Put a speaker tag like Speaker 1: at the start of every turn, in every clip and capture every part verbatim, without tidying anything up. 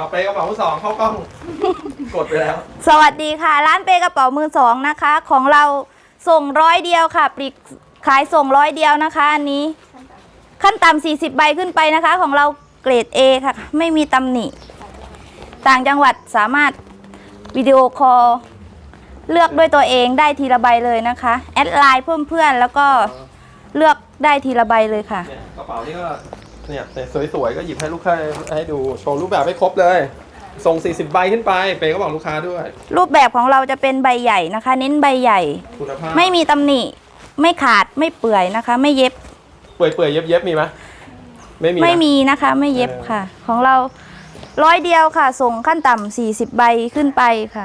Speaker 1: เปกระเป๋ามือสองเข้ากล้อง กดไปแล้ว
Speaker 2: สวัสดีค่ะร้านเปกระเป๋ามือสองนะคะของเราส่งร้อยเดียวค่ะปลีกขายส่งร้อยเดียวนะคะอันนี้ขั้นต่ำสี่สิบใบขึ้นไปนะคะของเราเกรด เอ ค่ะไม่มีตำหนิต่างจังหวัดสามารถวิดีโอคอลเลือกด้วยตัวเองได้ทีละใบเลยนะคะแอดไลน์เพิ่มเพื่อนแล้วก็เลือกได้ทีละใบเลยค่ะ
Speaker 1: กระเป๋านี่ก็เนี่ยสวยๆก็หยิบให้ลูกค้าให้ดูโชว์รูปแบบให้ครบเลยส่งสี่สิบใบขึ้นไปเปก็บอกลูกค้าด้วย
Speaker 2: รูปแบบของเราจะเป็นใบใหญ่นะคะเน้นใบใหญ่
Speaker 1: คุณภาพ
Speaker 2: ไม่มีตำหนิไม่ขาดไม่เปื่อยนะคะไม่เย็บ
Speaker 1: เปื่อยเปื่อยเย็บเย็บมีไหมไม่มี
Speaker 2: ไม่มีนะคะไม่เย็บค่ะของเราร้อยเดียวค่ะส่งขั้นต่ำสี่สิบใบขึ้นไปค่ะ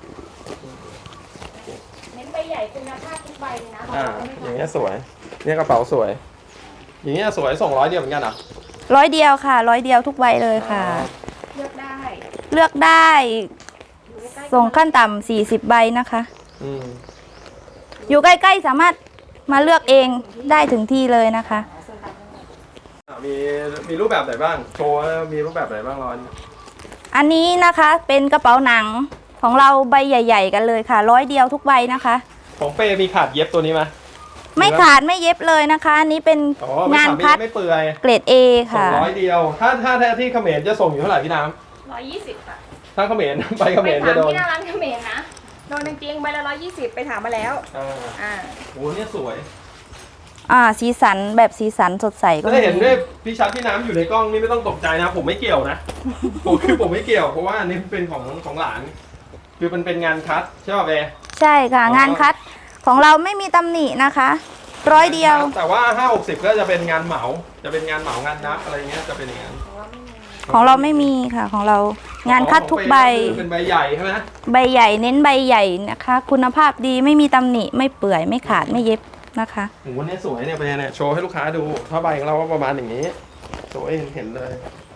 Speaker 3: เน้นใบใหญ่คุณภาพทุกใบนะ
Speaker 1: อ่าอย่างเงี้ยสวยเนี่ยกระเป๋าสวยอย่างเงี้ยสวยส่งร้อยเดียวเหมือนกันอ่ะ
Speaker 2: ร้อยเดียวค่ะร้อยเดียวทุกใบเลยค่ะ
Speaker 3: เลือกได้
Speaker 2: เลือกได้ส่งขั้นต่ำสี่สิบใบนะคะ
Speaker 1: อืม
Speaker 2: อยู่ใกล้ๆสามารถมาเลือกเองได้ถึงที่เลยนะคะ
Speaker 1: มีมีรูปแบบไหนบ้างโชว์มีรูปแบบไหนบ้างร้อน
Speaker 2: อันนี้นะคะเป็นกระเป๋าหนังของเราใบใหญ่ๆกันเลยค่ะร้อยเดียวทุกใบนะคะ
Speaker 1: ของเปมีขาดเย็บตัวนี้ไหม
Speaker 2: ไม่ขาดไม่เย็บเลยนะคะอันนี้เป็นงานคัด
Speaker 1: ไม่เปื่อย
Speaker 2: เกรด เอ ค่ะ
Speaker 1: ส่งร้อยเดียวถ้าถ้าที่เขมรจะส่งอยู่เท่าไหร่พี่น้
Speaker 3: ำร้อยยี่สิบค่ะ
Speaker 1: ถ้าเขมรไปเขมรจะโดน
Speaker 3: ที่หน้าร้านเขมรนะโดนจริงๆใบละร้อยยี่สิบไปถามมาแล้ว
Speaker 1: อ่าอ่าโอ้เนี่ยสวย
Speaker 2: อ่าสีสันแบบสีสันสดใสก็
Speaker 1: ได้เห็นด้วยพี่ชัดพี่น้ำอยู่ในกล้องนี่ไม่ต้องตกใจนะผมไม่เกี่ยวนะผมคือผมไม่เกี่ยวเพราะว่าอันนี้เป็นของของหลานคือมันเป็นงานคัดใช่ป่ะเบ
Speaker 2: ใช่ค่ะงานคัดของเราไม่มีตำหนินะคะร้อยเดียว
Speaker 1: แต่ว่าห้าหกสิบก็จะเป็นงานเหมาจะเป็นงานเหมางานนับอะไรเงี้ยจะเป็นอย่างนั้น
Speaker 2: ของเราไม่มีค่ะของเรางานคัดทุกใบ
Speaker 1: เป็นใบใหญ่ใช่ไหม
Speaker 2: ใบใหญ่เน้นใบใหญ่นะคะคุณภาพดีไม่มีตำหนิไม่เปื่อยไม่ขาดไม่เย็บนะคะ
Speaker 1: โอ้โหเนี่ยสวยเนี่ยไปเนี่ยโชว์ให้ลูกค้าดูผ้าใบของเราก็ประมาณอย่างนี้สวยเห็นเห็นเลย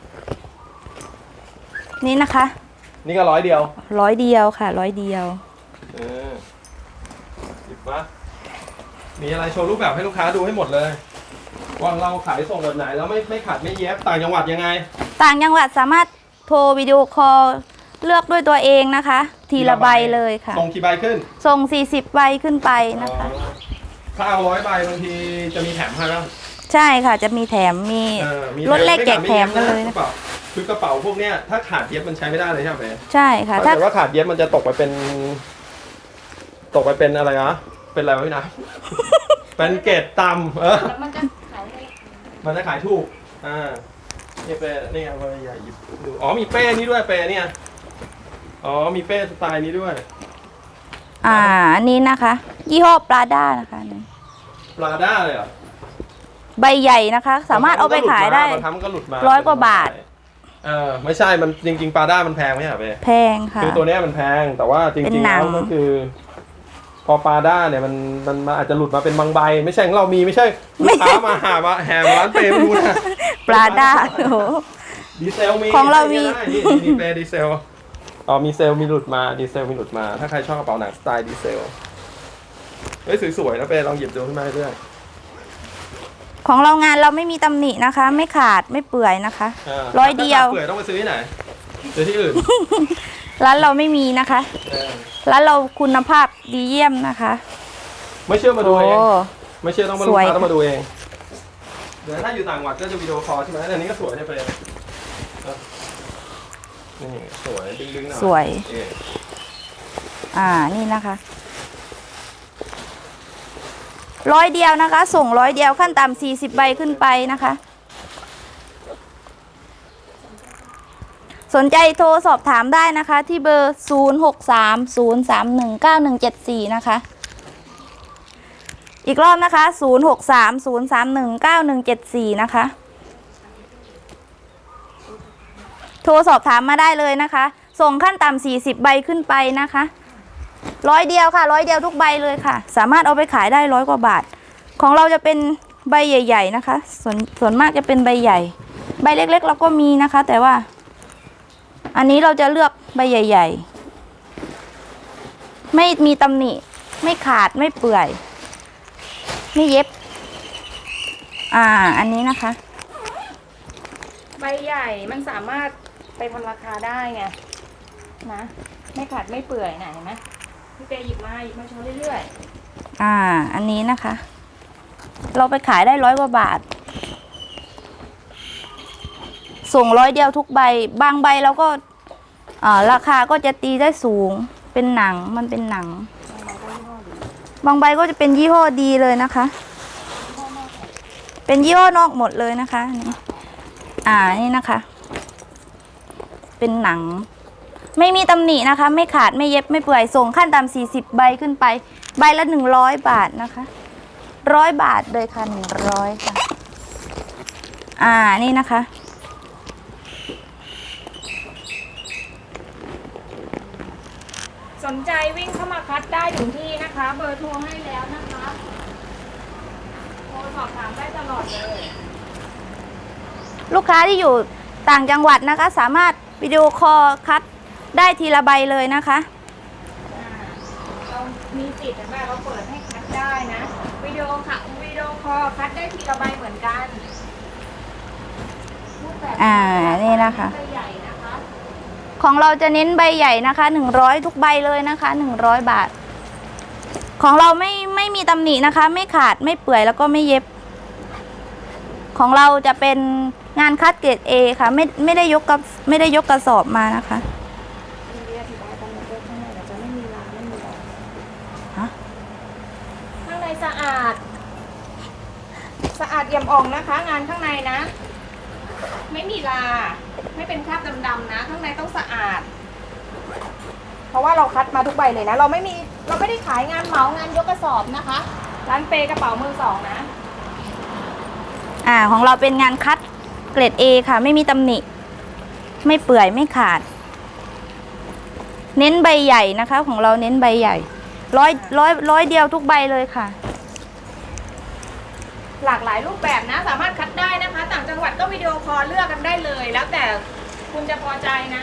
Speaker 2: นี่นะคะ
Speaker 1: นี่ก็ร้อยเดียว
Speaker 2: ร้อยเดียวค่ะร้อยเดียว
Speaker 1: เออหยิบมามีอะไรโชว์รูปแบบให้ลูกค้าดูให้หมดเลยว่าเราขายส่งแบบไหนแล้วไม่ไม่ขาดไม่เย็บต่างจังหวัดยังไง
Speaker 2: ต่างจังหวัดสามารถโทรวิดีโอคอลเลือกด้วยตัวเองนะคะทีละใบเลยค่ะ
Speaker 1: ส่งกี่ใบขึ้น
Speaker 2: ส่งสี่สิบใบขึ้นไปนะคะ
Speaker 1: ถ้าเอาร้อยใบบางทีจะมีแถมให้แล้ว
Speaker 2: ใช่ค่ะจะมีแถมมีรถเล็กแจกแถมกันเลยนะ
Speaker 1: คือกระเป๋าพวกเนี้ยถ้าขาดเย็บมันใช้ไม่ได้เลยใช่ไหม
Speaker 2: ใช่ค่ะ
Speaker 1: ถ้าเกิดว่าขาดเย็บมันจะตกไปเป็นตกไปเป็นอะไรนะเป็นอะไรวะพี่นะเป็นเกรดต่ำเออ
Speaker 3: มันจะขาย
Speaker 1: มันจะขายถูกอ่านี่เป้นี่เอาไปใหญ่หยิบดูอ๋อมีเป้นี่ด้วยเป้เนี่ยอ๋อมีเป้สไตล์นี้ด้วย
Speaker 2: อ่าอันนี้นะคะยี่ห้อปลาด้านะคะ
Speaker 1: ปลาด้าเลยเหรอ
Speaker 2: ใบใหญ่นะคะสามารถเอาไปขายได้ร้อยกว่าบาท
Speaker 1: เออไม่ใช่มันจริงๆปลาด้ามันแพงไหมอ่ะเป้
Speaker 2: แพงค่ะ
Speaker 1: คือตัวนี้มันแพงแต่ว่าจริงๆแล้วก็คือพอปลาด้าเนี่ยมันมันอาจจะหลุดมาเป็นบางใบไม่ใช่ของเรามีไม่ใช่ลูกค้ามาหามาแห่มาร้านเปย์ไม่รู้นะ
Speaker 2: ปลาด้าโอ้
Speaker 1: ดีเซลมี
Speaker 2: ของเรามี
Speaker 1: นี่เปย์ดีเซลอ๋อมีเซลมีหลุดมาดีเซลมีหลุดมาถ้าใครชอบกระเป๋าหนังสไตล์ดีเซลเฮ้ยสวยๆนะเปย์ลองหยิบดูขึ้นมาเรื่อย
Speaker 2: ของเรางานเราไม่มีตำหนินะคะไม่ขาดไม่เปื่อยนะคะร้อยเดียว
Speaker 1: เปื่อยต้องไปซื้อที่ไหนซื้อที่อื่น
Speaker 2: ร้านเราไม่มีนะคะร้านเราคุณภาพดีเยี่ยมนะคะ
Speaker 1: ไม่เชื่อมาดูเองไม่เชื่อต้องมาลูกค้าต้องมาดูเองเดี๋ยวถ้าอยู่ต่างจังหวัดก็จะวิดีโอคอลใช่ไหมอันนี้ก็สวยเนี่ยไปนี่สวยดึงๆหน่อย
Speaker 2: สวยอ่านี่นะคะร้อยเดียวนะคะส่งร้อยเดียวขั้นต่ำสี่สิบใบขึ้นไปนะคะสนใจโทรสอบถามได้นะคะที่เบอร์ศูนย์ หก สาม ศูนย์ สาม หนึ่ง เก้า หนึ่ง เจ็ด สี่นะคะอีกรอบนะคะศูนย์ หก สาม ศูนย์ สาม หนึ่ง เก้า หนึ่ง เจ็ด สี่นะคะโทรสอบถามมาได้เลยนะคะส่งขั้นต่ำสี่สิบใบขึ้นไปนะคะร้อยเดียวค่ะร้อยเดียวทุกใบเลยค่ะสามารถเอาไปขายได้ร้อยกว่าบาทของเราจะเป็นใบใหญ่ๆนะคะส่วนส่วนมากจะเป็นใบใหญ่ใบเล็กๆเราก็มีนะคะแต่ว่าอันนี้เราจะเลือกใบใหญ่ๆไม่มีตำหนิไม่ขาดไม่เปื่อยไม่เย็บอ่าอันนี้นะคะ
Speaker 3: ใบใหญ่มันสามารถไปทำราคาได้ไงนะ ไม่ขาดไม่เปื่อยนะเห็นไหมพี่เปย์หยิบมาหยิบมาโชว์เรื่อย
Speaker 2: อ่า อันนี้นะคะ เราไปขายได้ร้อยกว่าบาท ส่งร้อยเดียวทุกใบ บางใบเราก็อ่าราคาก็จะตีได้สูง เป็นหนัง มันเป็นหนัง บางใบก็จะเป็นยี่ห้อดีเลยนะคะ เป็นยี่ห้อนอกหมดเลยนะคะนี่อ่า นี่นะคะ เป็นหนัง ไม่มีตำหนินะคะ ไม่ขาด ไม่เย็บ ไม่เปื่อย ส่งขั้นต่ำสี่สิบใบขึ้นไป ใบละหนึ่งร้อยบาทนะคะร้อยบาทเลยค่ะหนึ่งร้อยค่ะ อ่า นี่นะคะ
Speaker 3: ๆ สนใจวิ่งเข้ามาคัดได้ถึงที่นะคะ เบอร์โทรให้แล้วนะคะโทรสอบถามได้ตลอดเลย
Speaker 2: ลูกค้าที่อยู่ต่างจังหวัดนะคะ สามารถวิดีโอคอลคัดได้ทีละใบเลยนะคะ
Speaker 3: อ่าเรามีสิทธิ์แบบเราเปิดให้คัดได้นะ วิดีโอค่ะวิดีโอคอลคัดได้ทีละใบเหมือนกันรูปแบบ
Speaker 2: อ่า นี่นะคะ
Speaker 3: ใบใหญ่นะคะ
Speaker 2: ของเราจะเน้นใบใหญ่นะคะหนึ่งร้อยทุกใบเลยนะคะหนึ่งร้อยบาท ของเราไม่ไม่มีตำหนินะคะ ไม่ขาดไม่เปื่อยแล้วก็ไม่เย็บ ของเราจะเป็นงานคัดเกรด A ค่ะ ไม่ไม่ได้ยกกับไม่ได้ยกกระสอบมานะคะ
Speaker 3: เรียกอธิบายกันหมดเลยข้างในเราจะไม่มีรางไม่มีรอย
Speaker 2: ฮะ
Speaker 3: ข้างในสะอาด สะอาดเอี่ยมอ่องนะคะ งานข้างในนะ ไม่มีลาไม่เป็นคราบดำๆนะ ข้างในต้องสะอาด เพราะว่าเราคัดมาทุกใบเลยนะ เราไม่มีเราไม่ได้ขายงานเหมางานยกกระสอบนะคะ ร้านเปกระเป๋ามือสองนะ
Speaker 2: อ่า ของเราเป็นงานคัดเกรด A ค่ะ ไม่มีตำหนิ ไม่เปื่อยไม่ขาด เน้นใบใหญ่นะคะ ของเราเน้นใบใหญ่ร้อยร้อยร้อยเดียวทุกใบเลยค่ะ
Speaker 3: หลากหลายรูปแบบนะ สามารถคัดได้นะคะ ต่างจังหวัดก็วิดีโอคอลเลือกกันได้เลย แล้วแต่คุณจะพอใจนะ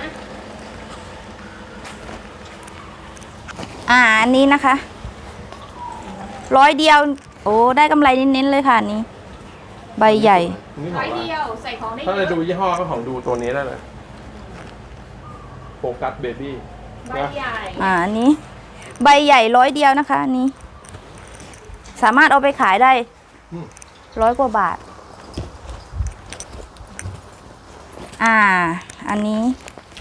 Speaker 2: อ่า อันนี้นะคะร้อยเดียว โอ้ได้กำไรเน้นๆเลยค่ะอันนี้ ใบใหญ่
Speaker 1: นี่ข
Speaker 3: ร้
Speaker 1: อ
Speaker 3: อง ย
Speaker 1: อะไร
Speaker 3: เดียวใส่ของได้เย
Speaker 1: ถ้าจะ
Speaker 3: อะ
Speaker 1: ดูยี่ห้อก็ของดูตัวนี้ได้เลยโฟกัสเบบี้
Speaker 3: ใบใหญ่
Speaker 2: อ่าอันนี้ ใบใหญ่ร้อยเดียวนะคะ อันนี้ สามารถเอาไปขายได้ร้อยกว่าบาท อ่า อันนี้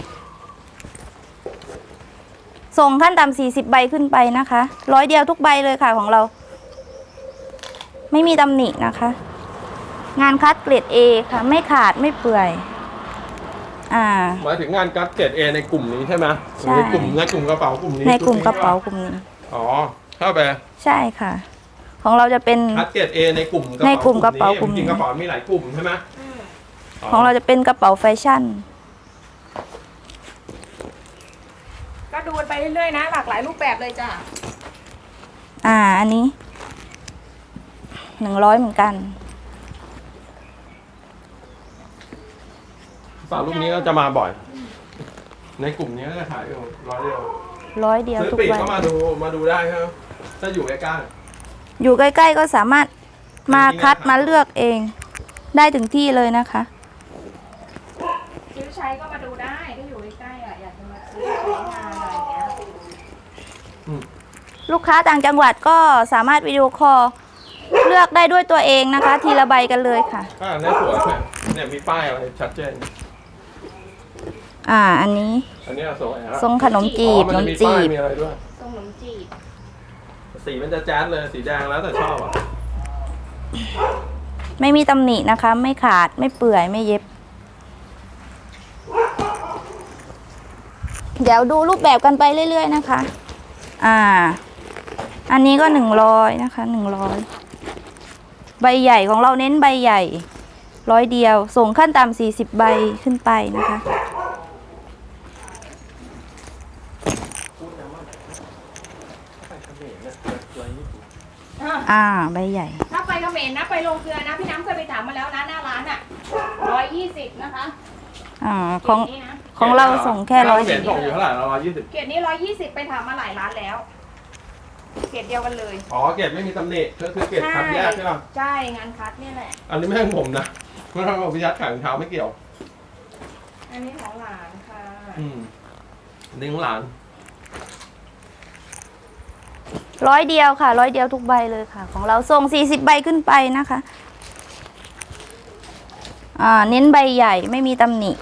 Speaker 2: ส่งขั้นต่ำสี่สิบใบขึ้นไปนะคะร้อยเดียวทุกใบเลยค่ะของเรา ไม่มีตำหนินะคะ งานคัดเกรด A ค่ะ ไม่ขาดไม่เปื่อย อ่า
Speaker 1: หมายถึงงานกัดเกรดเอในกลุ่มนี้ใช่ไหม
Speaker 2: ใช่
Speaker 1: ในกลุ่มในกลุ่มกระเป๋ากลุ่มนี้
Speaker 2: ในกลุ่ม
Speaker 1: ชุด
Speaker 2: กระเป๋ากลุ่มนี้
Speaker 1: อ๋อเข้าไป
Speaker 2: ใช่ค่ะ ของเราจะเป็น
Speaker 1: คัดเกรดเอในกลุ่ม
Speaker 2: ในกลุ่มกระเป๋ากลุ่มนี้
Speaker 1: จริงๆกระเป๋ามีหลายกลุ่มใช่ไหม
Speaker 3: อืม
Speaker 2: ของเราจะเป็นกระเป๋าแฟชั่น
Speaker 3: ก็ดูไปเรื่อยๆนะ หลากหลายรูปแบบเลยจ้ะ
Speaker 2: อ่า อันนี้หนึ่งร้อยเหมือนกัน
Speaker 1: สาวลูกนี้ก็จะมาบ่อย ในกลุ่มนี้ก็จะขายอยู่ร้อยเดียว
Speaker 2: ร้อยเดียว
Speaker 1: ซื้อ
Speaker 2: ทุก
Speaker 1: ปีก
Speaker 2: ใบ
Speaker 1: ก็มาดูมาดูได้ครับถ้าอยู่ใกล้
Speaker 2: อยู่ใกล้ๆก็สามารถมาคัดมาเลือกเอง ได้ถึงที่เลยนะคะ
Speaker 3: ซื้อใช้ก็มาดูได้ถ้าอยู่ใกล้ๆอ่ะอยากจะมาซื้อใช้งานอะไรอย่างเงี้ย
Speaker 1: ๆอืม
Speaker 2: ลูกค้าต่างจังหวัดก็สามารถวิดีโอคอลเลือกได้ด้วยตัวเองนะคะ ทีละใบกันเลยค่ะ
Speaker 1: อ่าเนี่ยสวยเนี่ยเนี่ยมีป้ายอะไรชัดเจน
Speaker 2: อ่า อันนี้
Speaker 1: อันนี้สวยครับ
Speaker 2: ทรงขนมจี
Speaker 1: อ๋อบ
Speaker 2: ข
Speaker 1: มัน
Speaker 2: น
Speaker 1: จะ
Speaker 2: ม
Speaker 1: มี
Speaker 2: จี
Speaker 1: ป้าย
Speaker 2: บ
Speaker 1: มีอะไรด้วย
Speaker 3: ทรงขนมจีบ
Speaker 1: สีมันจะแจ๊ดเลยสีแดงแล้วแต่ชอบอ่ะ
Speaker 2: ไม่มีตำหนินะคะ ไม่ขาดไม่เปื่อยไม่เย็บ เดี๋ยวดูรูปแบบกันไปเรื่อยๆนะคะ อ่า อันนี้ก็หนึ่งร้อยนะคะหนึ่งร้อยใบใหญ่ของเราเน้นใบใหญ่ร้อยเดียว ส่งขั้นต่ำสี่สิบใบขึ้นไปนะคะ อ่า ใบใหญ่
Speaker 3: ถ้าไปเขมรนะไปลงเกลือนะ พี่น้ำเคยไปถามมาแล้วนะหน้าร้านอ่ะร้อยยี่สิบนะคะ
Speaker 2: อ่า ของ
Speaker 3: เกรดนี้นะ
Speaker 2: ของเราส่งแค่ร้อย
Speaker 1: เหรียญส่งอยู่เท่าไหร่ร้อยยี่สิบ
Speaker 3: เกรดนี้ร้อยยี่สิบไปถามมาหลายร้านแล้ว เกรดเดียวกันเลย
Speaker 1: อ๋อเกรดไม่มีตำหนิก็คือเกรดคัดแยกใช่ป่ะ
Speaker 3: ใช่งานคัดเนี่ยแหละ
Speaker 1: อันนี้ไม่ใช่ผมนะไม่ใช่ผมพิยัดขายรองเท้าไม่เกี่ยว
Speaker 3: อันนี้ของหลานค่ะ
Speaker 1: อืมนี่ของหลาน
Speaker 2: ร้อยเดียวค่ะร้อยเดียวทุกใบเลยค่ะ ของเราส่งสี่สิบใบขึ้นไปนะคะ อ่า เน้นใบใหญ่ไม่มีตำหนิ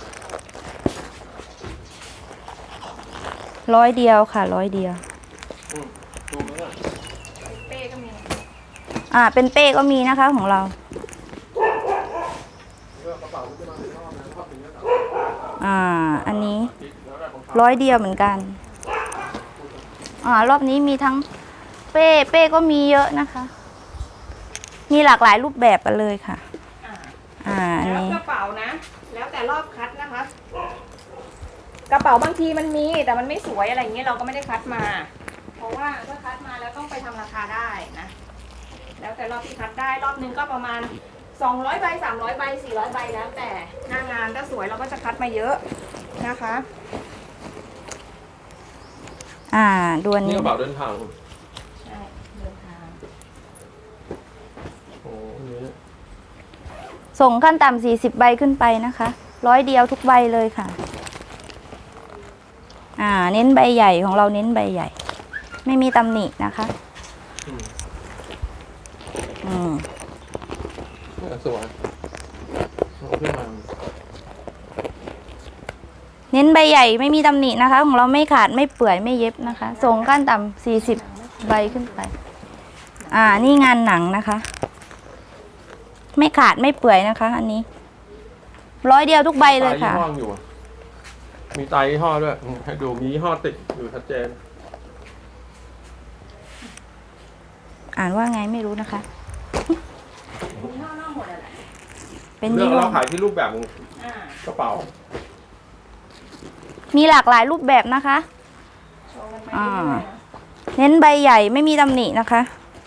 Speaker 2: ร้อยเดียวค่ะร้อยเดียว
Speaker 1: อืมดูไหมล่ะ
Speaker 3: เป้ก็มี
Speaker 2: อ่า เป็นเป้ก็มีนะคะของเรา
Speaker 1: เลือกกระเป๋าที่จะมาเป็นรอบนะรอบนี้ก็ต่อ
Speaker 2: อ่า อันนี้
Speaker 1: แล้วแต่ของเขา
Speaker 2: ร้อยเดียวเหมือนกัน อ่ารอบนี้มีทั้งเป้เป้ก็มีเยอะนะคะ มีหลากหลายรูปแบบกันเลยค่ะ
Speaker 3: อ่า
Speaker 2: อ่าอัน
Speaker 3: แล้ว
Speaker 2: นี้
Speaker 3: กระเป๋านะ แล้วแต่รอบคัดนะคะ กระเป๋าบางทีมันมีแต่มันไม่สวยอะไรเงี้ยเราก็ไม่ได้คัดมา เพราะว่าถ้าคัดมาแล้วต้องไปทำราคาได้นะ แล้วแต่รอบที่คัดได้รอบนึงก็ประมาณสองร้อยใบสามร้อยใบสี่ร้อยใบแล้วแต่หน้างานถ้าสวยเราก็จะคัดมาเยอะนะคะ
Speaker 2: อ่าดวน
Speaker 1: นี่
Speaker 2: นี้
Speaker 1: กระเป๋าเดินทาง
Speaker 3: ใช่เดินทาง
Speaker 1: โอ้นี่
Speaker 2: ส่งขั้นต่ำสี่สิบใบขึ้นไปนะคะร้อยเดียวทุกใบเลยค่ะ อ่า เน้นใบใหญ่ของเราเน้นใบใหญ่ ไม่มีตำหนินะคะ
Speaker 1: อืม
Speaker 2: อืม
Speaker 1: เนี่ยสวยเอาขึ้นมา
Speaker 2: เน้นใบใหญ่ไม่มีตำหนินะคะ ของเราไม่ขาดไม่เปื่อยไม่เย็บนะคะ ส่งขั้นต่ำสี่สิบใบขึ้นไป อ่า นี่งานหนังนะคะ ไม่ขาดไม่เปื่อยนะคะ อันนี้ร้อยเดียวทุกใบเลยค่ะ
Speaker 1: มีไตยี่ห้ออยู่อะมีไตยี่ห้อด้วยอืมให้ดูมียี่ห้อติดอยู่ชัดเจน
Speaker 2: อ่านว่าไงไม่รู้นะคะ
Speaker 3: มีนอกนอกหมดอะแหละ
Speaker 2: เป็น
Speaker 1: เลือ
Speaker 2: ยี่
Speaker 1: ก
Speaker 2: ห้อ
Speaker 1: เราขายที่รูปแบบของ
Speaker 3: อ่าก
Speaker 1: ระเป๋า
Speaker 2: มีหลากหลายรูปแบบนะคะ
Speaker 3: โชว์กันไป
Speaker 2: อ่า
Speaker 3: เรื่อยๆนะ
Speaker 2: เน้นใบใหญ่ไม่มีตำหนินะคะ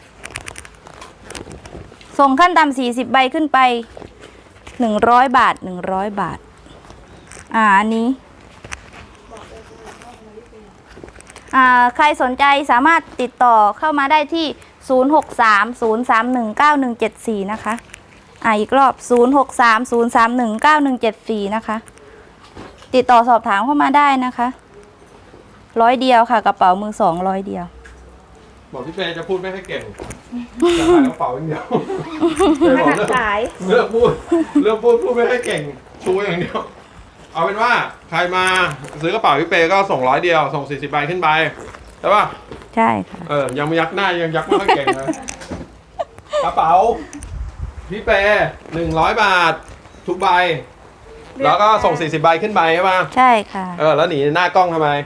Speaker 2: ส่งขั้นต่ำสี่สิบใบขึ้นไปหนึ่งร้อยบาทหนึ่งร้อยบาท อ่าอันนี้ อ่าใครสนใจสามารถติดต่อเข้ามาได้ที่ ศูนย์ หก สาม ศูนย์ สาม หนึ่ง เก้า หนึ่ง เจ็ด สี่ นะคะ อ่าอีกรอบ ศูนย์ หก สาม ศูนย์ สาม หนึ่ง เก้า หนึ่ง เจ็ด สี่ นะคะ ติดต่อสอบถามเข้ามาได้นะคะร้อยเดียวค่ะกระเป๋ามือสองร้อยเดียว
Speaker 1: บอกพี่เฟย์จะพูดไม่ให้เก่งจะขายกระเป๋าอย่างเดียวเฟย์
Speaker 3: ข
Speaker 1: บอก
Speaker 3: นาด
Speaker 1: เลือก
Speaker 3: ขาย
Speaker 1: เลือกพูดเลือกพูดพูดไม่ให้เก่งชูอย่างเดียว เอาเป็นว่าใครมาซื้อกระเป๋าพี่เฟย์ก็ส่งร้อยเดียวส่งสี่สิบใบขึ้นไปใช่ป่ะ
Speaker 2: ใช่ค่ะ
Speaker 1: เออยังไม่ยักหน้ายังยักไม่ค่อยเก่งเลยกระเป๋าพี่เฟย์หนึ่งร้อยบาททุกใบ แล้วก็ส่งสี่สิบใบขึ้นไปใช่ป่ะ
Speaker 2: ใช่ค่ะ
Speaker 1: เออแล้วหนีหน้ากล้องทำไม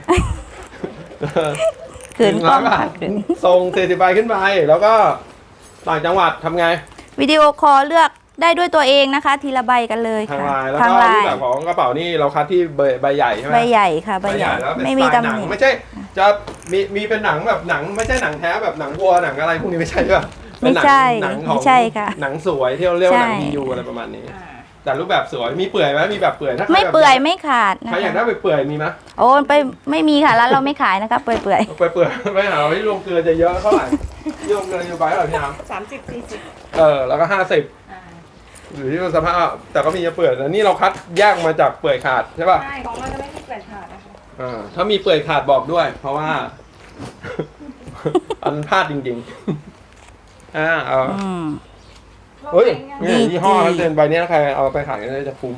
Speaker 2: ขืนกล้อง
Speaker 1: หนึ่ร้ยบา
Speaker 2: ค่ะ
Speaker 1: ท
Speaker 2: ขืน
Speaker 1: ส่งสี่สิบใบขึ้นไป แล้วก็ต่างจังหวัดทำไง
Speaker 2: วิดีโอคอลเลือกได้ด้วยตัวเองนะคะ ทีละใบกันเลย
Speaker 1: ทาง
Speaker 2: ค่ะ
Speaker 1: ไลน์แล้ว
Speaker 2: ทาง
Speaker 1: ก็
Speaker 2: ไล
Speaker 1: รูป
Speaker 2: น์
Speaker 1: แบบของกระเป๋านี่เราคัดที่ใบใบใหญ่ใช่ไหม
Speaker 2: ใบใหญ่ค่ะใบใหญ่
Speaker 1: แล้วเป็น
Speaker 2: ไม่
Speaker 1: ส
Speaker 2: มี
Speaker 1: ไตล์
Speaker 2: ตำ
Speaker 1: ห
Speaker 2: ห
Speaker 1: นัง
Speaker 2: นิ
Speaker 1: ไม่ใช่จะมีมีเป็นหนังแบบหนังไม่ใช่หนังแท้แบบหนังวัวหนังอะไรพวกนี้ไม่ใช่ป่ะเป็นหนั
Speaker 2: ไม่ใช่
Speaker 1: หนังขอ
Speaker 2: ไม่
Speaker 1: ง
Speaker 2: ใช่ค่ะ
Speaker 1: หนังสวยที่เราเรียกว่าหนัง
Speaker 2: ใช่
Speaker 1: มียูอะไรประมาณนี้
Speaker 3: อ่า
Speaker 1: แต่รูปแบบสวยมีเปื่อยไหมมีแบบเปื่อยถ้าใคร
Speaker 2: ไม่
Speaker 1: แบบ
Speaker 2: เปื่อยไม่ขาดนะ
Speaker 1: ใครอยากได้
Speaker 2: คะ
Speaker 1: เปื่อยๆมีไหม
Speaker 2: โอ้ไปไม่มีค่ะร้านเราไม่ขายนะคะเปื่อยเปื่อย
Speaker 1: เปื่อยเปื่อยๆไปหาที่โรงเกลือจะเยอะเท่าไหร่ที่โรงเกลืออยู่ไปเท่าไหร่พี่น้
Speaker 3: สามสิบสี่สิบ
Speaker 1: ำเออแล้วก็ห้าสิบ
Speaker 3: อ่า
Speaker 1: หรือที่สภาพแต่ก็มีจะเปื่อยแต่นี่เราคัดแยกมาจากเปื่อยขาดใช่ป่ะ
Speaker 3: ใช่ของเราจะไม่มีเกล็ดขาดนะคะ
Speaker 1: อ่าถ้ามีเปื่อยขาดบอกด้วย เพราะว่า อันพลาดจริงๆอ่าเอา
Speaker 2: อืม
Speaker 1: เฮ้ย
Speaker 3: ดี
Speaker 1: นี่ยี่ห้อ
Speaker 2: ดี
Speaker 1: แล้วเซ็นใบเนี้ยใครเอาไปขายก็จะคุ้ม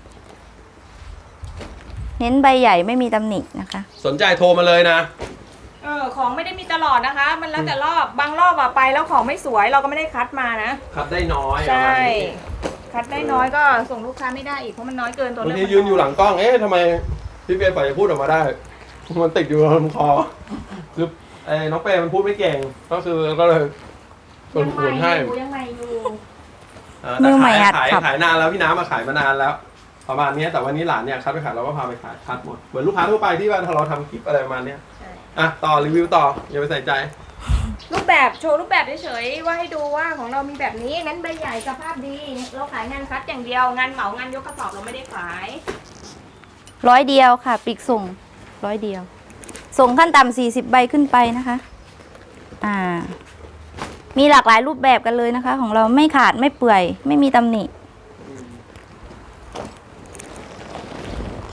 Speaker 2: เน้นใบใหญ่ไม่มีตำหนินะคะ
Speaker 1: สนใจโทรมาเลยนะ
Speaker 3: เออของไม่ได้มีตลอดนะคะ มันแล้วแต่รอบบางรอบอะไปแล้วของไม่สวยเราก็ไม่ได้คัดมานะ
Speaker 1: คัดได้น้อย
Speaker 3: ใช่
Speaker 1: ประมาณนี้
Speaker 3: คัดได้น้อยก็ส่งลูกค้าไม่ได้อีกเพราะมันน้อยเกินตัว
Speaker 1: บาง
Speaker 3: เลือก
Speaker 1: ที
Speaker 3: มั
Speaker 1: ยืนอยู่หลั
Speaker 3: ง
Speaker 1: งกล้องเอ๊ะทำไมพี่เปียฝ่ายจะพูดออกมาได้ มันติดอยู่ลำคอคือไอ้น้องเปย์มันพูดไม่เก่งก็คือก็เลยส่วน
Speaker 3: ยัง
Speaker 1: ข
Speaker 3: ใหม่
Speaker 1: วนให้
Speaker 3: อยู่ยังใหม่อยู่
Speaker 1: อ่า
Speaker 2: มื
Speaker 1: แต่
Speaker 2: อใหม่
Speaker 1: ขาย
Speaker 2: หัด
Speaker 1: ขาย
Speaker 2: ขับ
Speaker 1: ขายนานแล้วพี่น้ำมาขายมานานแล้ว ประมาณเนี้ยแต่วันนี้หลานเนี่ยคัดไปขายเราก็พาไปขายคัดหมดเหมือนลูกค้าทั่วไปที่ว่าเราทำคลิปอะไรประมาณเนี้ย
Speaker 3: ใช่
Speaker 1: อ่ะต่อรีวิวต่ออย่าไปใส่ใจ
Speaker 3: รูปแบบโชว์รูปแบบเฉยๆว่าให้ดูว่าของเรามีแบบนี้นั้นใบใหญ่สภาพดี เราขายงานคัดอย่างเดียวงานเหมางานยกกระสอบเราไม่ได้ขาย
Speaker 2: ร้อยเดียวค่ะปีกส่งร้อยเดียว ส่งขั้นต่ำสี่สิบใบขึ้นไปนะคะ อ่า มีหลากหลายรูปแบบกันเลยนะคะ ของเราไม่ขาดไม่เปื่อย ไม่มีตำหนิ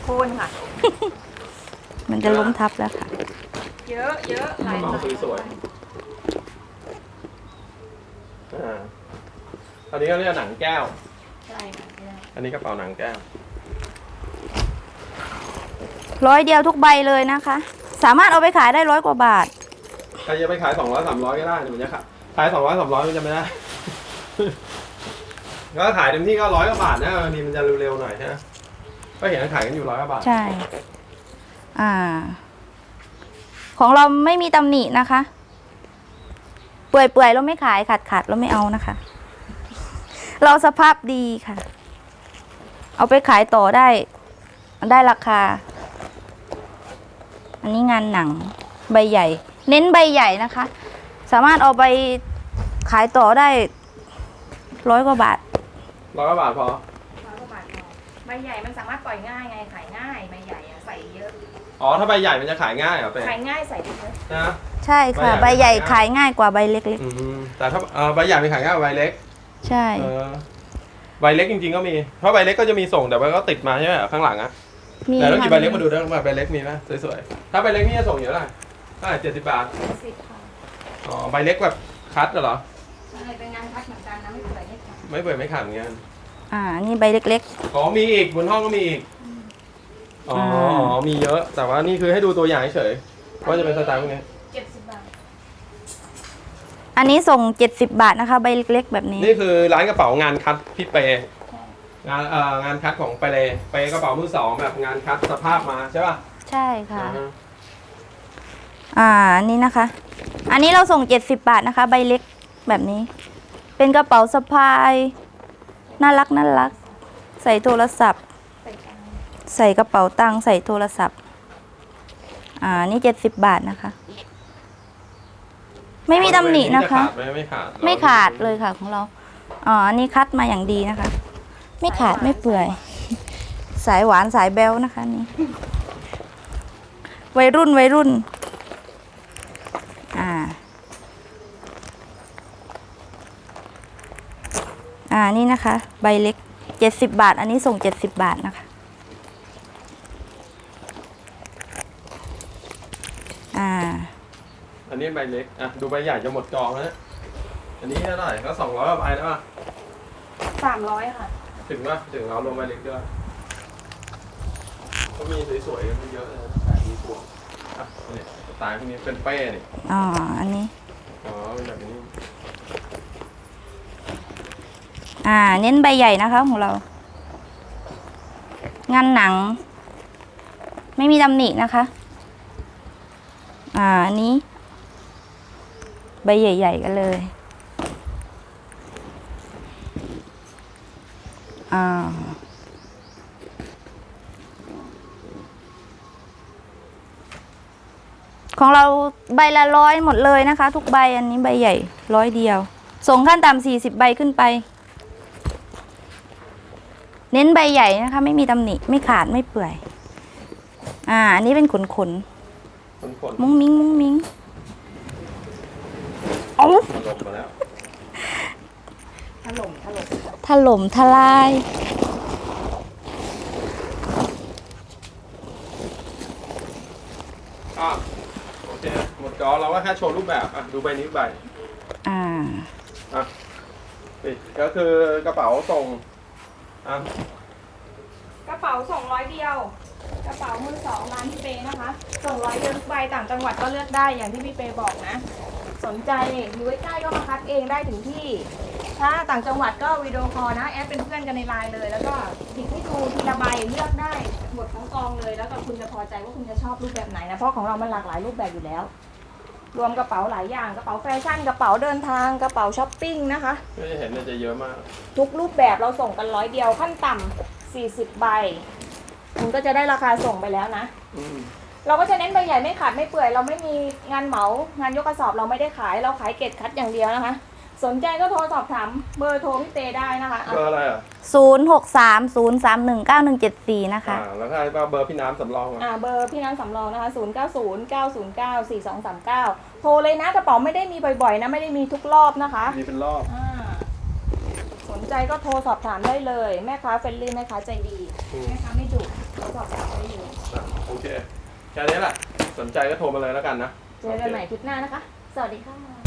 Speaker 3: คนค่ะ
Speaker 2: มันจะล้มทับแล้วค่ะ
Speaker 3: เยอะเยอะหลาย
Speaker 1: กระ
Speaker 3: ห
Speaker 1: เป๋า
Speaker 3: ลาย
Speaker 1: สวยๆอ่าอันนี้ก็เรียกหนังแก้ว
Speaker 3: ใช่ค่ะ
Speaker 1: อันนี้กระเป๋าหนังแก้ว
Speaker 2: ร้อยเดียวทุกใบเลยนะคะ สามารถเอาไปขายได้ร้อยกว่าบาท
Speaker 1: ใครจะไปขายสองร้อยสามร้อยก็ได้แต่มันจะขายขายสองร้อยสามร้อยมันจะไม่ได้ ก็ขายเต็มที่ก็ร้อยกว่าบาทนะบางทีมันจะเร็วๆหน่อยนะก็เห็นขายกันอยู่ร้อยกว่าบาท
Speaker 2: ใช่ อ่า ของเราไม่มีตำหนินะคะ เปื่อยเปื่อยๆเราไม่ขายขาดขาดเราไม่เอานะคะ เราสภาพดีค่ะ เอาไปขายต่อได้ ได้ราคา อันนี้งานหนังใบใหญ่ เน้นใบใหญ่นะคะ สามารถเอาไปขายต่อได้ร้อยกว่าบาท
Speaker 1: ร้อยกว่าบาทพอ
Speaker 3: ร้อยกว่าบาทพอใบใหญ่มันสามารถปล่อยง่ายไงขายง่ายใบใหญ่อะใส่เยอะ
Speaker 1: อ๋อถ้าใบใหญ่มันจะขายง่ายเหรอเป้
Speaker 3: ขายง่ายใส่เยอะ
Speaker 1: นะ
Speaker 2: ใช่ค่ะ
Speaker 1: ใบ
Speaker 2: ใบ
Speaker 1: ให
Speaker 2: ให
Speaker 1: ญ่
Speaker 2: ญ่ขายง่ายกว่าใบเล็ก
Speaker 1: อืมแต่ถ้าเออใบใหญ่มันขายง่ายกว่าใบเล็ก
Speaker 2: ๆ ใช่
Speaker 1: เออใบเล็กจริงๆก็มี เพราะใบเล็กก็จะมีส่งแต่ว่าก็ติดมาใช่ไหมข้างหลังอะ
Speaker 2: มี
Speaker 1: แต่ต้องหยิบ
Speaker 2: ค่ะ
Speaker 1: ใบเล็กมาดูด้วยว่าใบเล็กมีไหมสวยๆ ถ้าใบเล็กนี่จะส่งเยอะเลยเท่าไหร่เจ็ดสิบบาท
Speaker 3: สิบค่ะ
Speaker 1: อ๋อใบเล็กแบบคัดเหรอ
Speaker 3: ใช่เป็นงานพัดเหมือนกันนะไม่เปื่อยไม่ขาด
Speaker 1: ไม่เปิดไม่ขาดเหมือนกัน
Speaker 2: อ่า นี่ใบเล็ก
Speaker 1: อ๋อมีอีกบนห้องก็มีอีก อ๋ออ๋อมีเยอะ แต่ว่านี่คือให้ดูตัวอย่างเฉยๆว่าจะเป็นสไตล์พวกนี้
Speaker 3: เจ็ดสิบบาท
Speaker 2: ๆ อันนี้ส่งเจ็ดสิบบาทนะคะ ใบเล็กๆแบบนี้
Speaker 1: นี่คือร้านกระเป๋างานคัดพี่เปย์งานเอ่องานคัดของเปย์เปย์กระเป๋ามือสองแบบงานคัดสภาพมาใช่ป่ะ
Speaker 2: ใช่ค่ะ
Speaker 1: อ่าฮะ
Speaker 2: อ่าอันนี้นะคะ อันนี้เราส่งเจ็ดสิบบาทนะคะ ใบเล็กแบบนี้ เป็นกระเป๋าสะพาย น่ารักน่ารัก ใส่โทรศัพท์
Speaker 3: ใส่ตังค์
Speaker 2: ใส่กระเป๋าตังค์ใส่โทรศัพท์ อ่า นี่เจ็ดสิบบาทนะคะ ไม่มีตำหนินะคะ
Speaker 1: จขาดไหมไม่ขาด
Speaker 2: ไม่ขาดเลยค่ะของเรา อ๋อ อันนี้คัดมาอย่างดีนะคะ ไม่ขาดไม่เปื่อย สายหวานสายแบลนะคะนี่ วัยรุ่นวัยรุ่น อ่า อ่า นี่นะคะ ใบเล็กเจ็ดสิบบาท อันนี้ส่งเจ็ดสิบบาทนะคะ อ่า
Speaker 1: อันนี้ใบเล็ก อ่ะดูใบใหญ่จะหมดจองแล้วนะอันนี้เท่าไหร่ก็สองร้อยกว่าใบแล้วป่ะ
Speaker 3: สามร้อยค่ะ
Speaker 1: ถึงป่ะถึงเราลงใบเล็กด้วยก็มีสวยๆกันเยอะเลยนะขายดีพวงอ่ะนี่สไตล์พวกนี้เป็นเป้นี่
Speaker 2: อ๋อ อันนี้
Speaker 1: อ๋อเป็นแบบนี้
Speaker 2: อ่า เน้นใบใหญ่นะคะของเรา งานหนัง ไม่มีตำหนินะคะ อ่าอันนี้ ใบใหญ่ ๆ กันเลย อ่า ของเราใบละร้อยหมดเลยนะคะ ทุกใบอันนี้ใบใหญ่ร้อยเดียว ส่งขั้นต่ำสี่สิบใบขึ้นไป เน้นใบใหญ่นะคะ ไม่มีตำหนิไม่ขาดไม่เปื่อย อ่า อันนี้เป็นขนขน
Speaker 1: คนคน
Speaker 2: มุ้งมิ้งมุ้งมิ้งเอา
Speaker 1: มาลงมาแล้ว
Speaker 3: ถล่มถล่ม
Speaker 2: ถล่มทลาย
Speaker 1: อ่ะโอเคหมดจอเราก็แค่โชว์รูปแบบอ่ะดูใบนี้ใบ
Speaker 2: อ่า
Speaker 1: อ่ะนี่ก็คือกระเป๋าส่งอ่ะ
Speaker 3: กระเป๋าส่งร้อยเดียว กระเป๋ามือสองร้านพี่เปนะคะ ส่งร้อยเดียวทุกใบต่างจังหวัดก็เลือกได้อย่างที่พี่เปบอกนะ สนใจอยู่ใกล้ๆก็มาคัดเองได้ถึงที่ ถ้าต่างจังหวัดก็วิดีโอคอลนะแอดเป็นเพื่อนกันในไลน์เลย แล้วก็ติดให้ดูทีละใบเลือกได้หมดทั้งกองเลย แล้วก็คุณจะพอใจว่าคุณจะชอบรูปแบบไหนนะเพราะของเรามันหลากหลายรูปแบบอยู่แล้ว รวมกระเป๋าหลายอย่างกระเป๋าแฟชั่นกระเป๋าเดินทางกระเป๋าช้อปปิ้งนะคะ
Speaker 1: ก็จะเห็นเนี่ยจะเยอะมาก
Speaker 3: ทุกรูปแบบเราส่งกันร้อยเดียวขั้นต่ำสี่สิบใบคุณก็จะได้ราคาส่งไปแล้วนะ
Speaker 1: อืม
Speaker 3: เราก็จะเน้นใบใหญ่ไม่ขาดไม่เปื่อยเราไม่มีงานเหมางานยกกระสอบเราไม่ได้ขายเราขายเกตคัดอย่างเดียวนะคะ สนใจก็โทรสอบถามเบอร์โทรพี่เตได้นะคะอ่ะ
Speaker 1: เบอร์อะไรอ่ะ
Speaker 2: ศูนย์หกสามศูนย์สามหนึ่งเก้าหนึ่งเจ็ดสี่นะคะ
Speaker 1: อ่าแล้วก็เบอร์พี่น้ำสำรองอ่ะ
Speaker 3: อ่าเบอร์พี่น้ำสำรองนะคะศูนย์เก้าศูนย์ เก้าศูนย์เก้า สี่สองสามเก้าโทรเลยนะกระเป๋าไม่ได้มีบ่อยๆนะไม่ได้มีทุกรอบนะคะ
Speaker 1: มีเป็นรอบ
Speaker 3: อ่าสนใจก็โทรสอบถามได้เลย แม่ค้าเฟรนลี่แม่ค้าใจดี
Speaker 1: อืม
Speaker 3: แม่ค้าไม่ดุโทรสอบอบถามได้อยู่
Speaker 1: อ่ะโอเค แค่นี้แหละ สนใจก็โทรมาเลยแล้วกันนะ
Speaker 3: เจอกันใหม่คลิปหน้านะคะ สวัสดีค่ะ